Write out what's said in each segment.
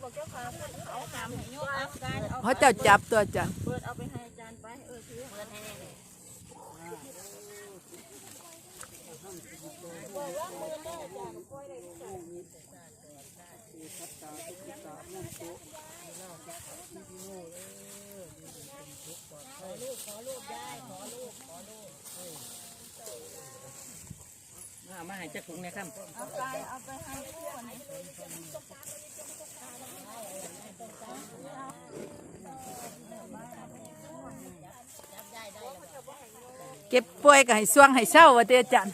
บอกเจ้าขาเขาหามให้โยกอาการเอาเขาเจ้าจับตัวจ้ะเปิดเอาไปให้อาจารย์ไปถือเปิดให้แน่เลยมาให้จักถุงนะครับเอาไปให้ผู้คนนี้เก็บป่วยก็ให้ส่วงให้เศร้าว่าเด้อจัน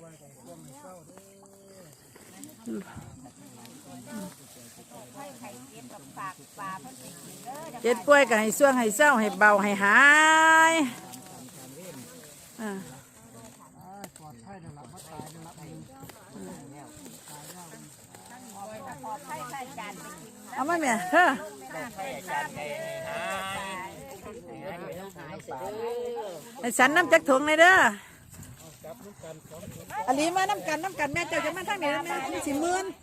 เก็บป่วยก็ให้ส่วงให้เศร้าให้เบาให้หายเอามาแม่เธอไอ้สันน้ำจักถุงเลยเด้ออันนี้มาน้ำกันแม่เจ้าจะมาทางไหนแม่สิหมื่น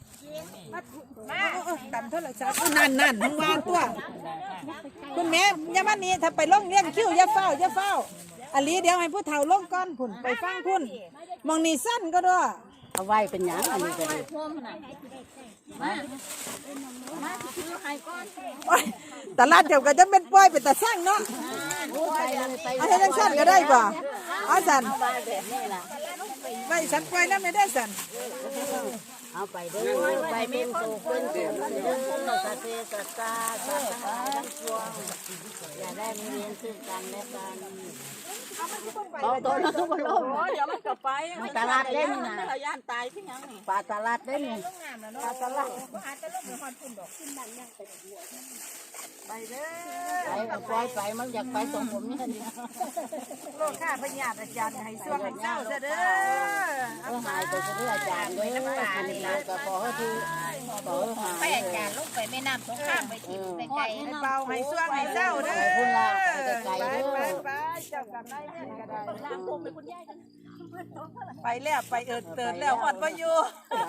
กันเท่าไหร่สักนั่นทั้งวานตัวคุณแม่ย่ามันนี้ถ้าไปล่องเลี้ยงคิ้วอย่าเฝ้าอันนี้เดี๋ยวให้ผู้เฒ่าล่องก้อนผุนไปฟังพุ่นมองนี่สั้นก็ด้วยเอาไว้เป็นหยังอันนี้ก็ดีมาถือให้ก้อนแต่ลาดเดี๋ยวก็จะเป็นป้อยเป็นตาสร้างเนาะเอาให้ทั้งสั้นก็ได้ป่ะเอาสันไม่สันป้อยนั่นไม่ได้สันเอาไปเด้อไปเป็นโตเป็นเดือนเด้อสัตเตสัตตาสัตตาทั้งปวงอย่าได้มีเรียนซึ่งกันและกันเอาตัวนั้นก็บ่ลงเดี๋ยวมันกลับไปตลาดเล่นน่ะย่านตายที่ยังนี่ปลาตลาดเล่นนี่ปลาตลาดไปเด้อไปปล่อยไปมันอยากไปตรงผมนี่นี่โลกข้าพญาอาจารย์ให้ช่วงให้เจ้าเด้อหายไปเรื่อยอาจารย์เด้อคุณเราก็ขอให้ทีขอไปอาจารย์ลงไปแม่น้ำสงครามไปกินไปไกลให้เบาให้ช่วงให้เจ้าเด้อคุณลาไปไกลเด้อไปเจ้ากับนายแม่ก็ได้ล้างผมไปคุณยายกันไปแล้วไปเติร์ดแล้วหอดมาอยู่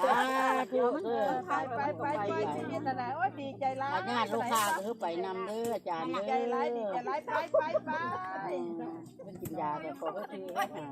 ไปชีวิตอะไรโอ้ดีใจร้ายงานลูกค้าคือไปนำเด้ออาจารย์เด้อใจร้ายดีใจร้ายไปเป็นกินยาแต่ขอให้ทีให้หาย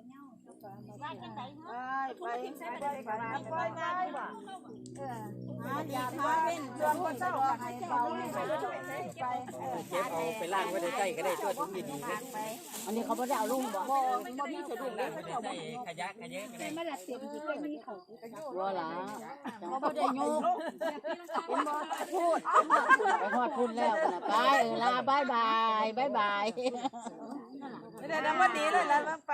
ไปง่ายว่ะอย่าพาเป็นชวนคนเจ้าให้เบาให้ไปเก็บเอาไปล่างไว้ในใต้ก็ได้ตัวถุงดีๆนะอันนี้เขาไม่ได้เอาลุ่มบ่บ่มีสะดวกเลยเขาใส่ขยะก็ได้ไม่ละเสียบจิก็มีเขาวัวหล่ะเขาไม่ได้โยกพูดไปฮอดพูดแล้วนะไปลาบายบายไม่ได้ดังวันนี้เลยแล้วไป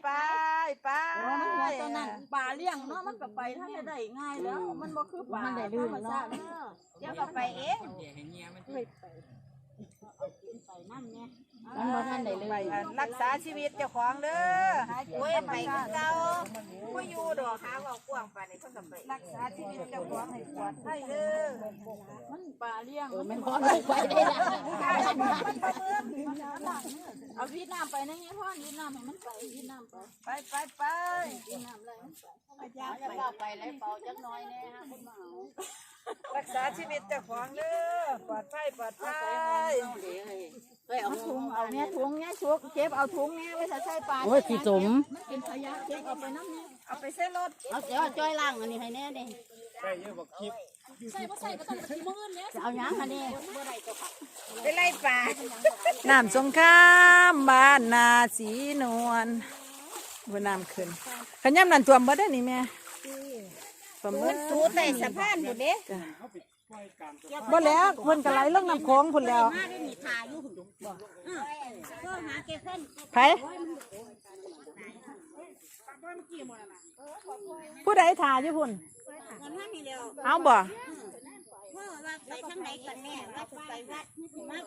ตอนนั้นป่าเลี้ยงเนาะมันก็ไปถ้าจะได้ง่ายแล้วมันบ่คือป่ามันได้ลื่นเนาะเดี๋ยวก็ไปเองมันบ่ทันได้ลื่นรักษาชีวิตเจ้าของเด้อโอ้ยไปเก่าบ่อยู่ดอกหาว่ากว้างปานนี้เพิ่นก็ไปรักษาชีวิตเจ้าของให้ปลอดภัยเด้อมันป่าเลี้ยงมันพอได้ไปได้ล่ะเอาวิดน้ำไปนะเนี่ยพ่อวิดน้ำให้มันไปวิดน้ำไปวิดน้ำเลยอย่าเป่าไปเลยเป่าจักน้อยแน่ฮะคุณหมอรักษาชีวิตเจ้าของเด้อปลอดภัยเอาถุงเอาเนี่ยถุงเนี่ยชุกเก็บเอาถุงเนี่ยไว้ใส่ปลาโอ้ยขี้สมมันเป็นขยะเก็บเอาไปน้ำเนี่ยเอาไปใส่รถเอาเดี๋ยวจ้อยล่างอันนี้ให้แน่ดิใส่เยอะบอกคลิปใส่ก็ต้องขี้มือเนี่ยเอาหยังอันนี้ไปไล่ปลาน้ำสงครามบ้านนาสีนวลบนน้ำขึ้นขย้ำนันท่วมบ่ได้นี่แม่มันสูดแต่สะพานหมดเด้บ่แล้วคนกระไรเรื่องน้ำโค้งพุ่นแล้วไผผู้ใดถ่ายอยู่พุ่นเอาบ่ไปทางไหนกันแน่ว่าไปวัด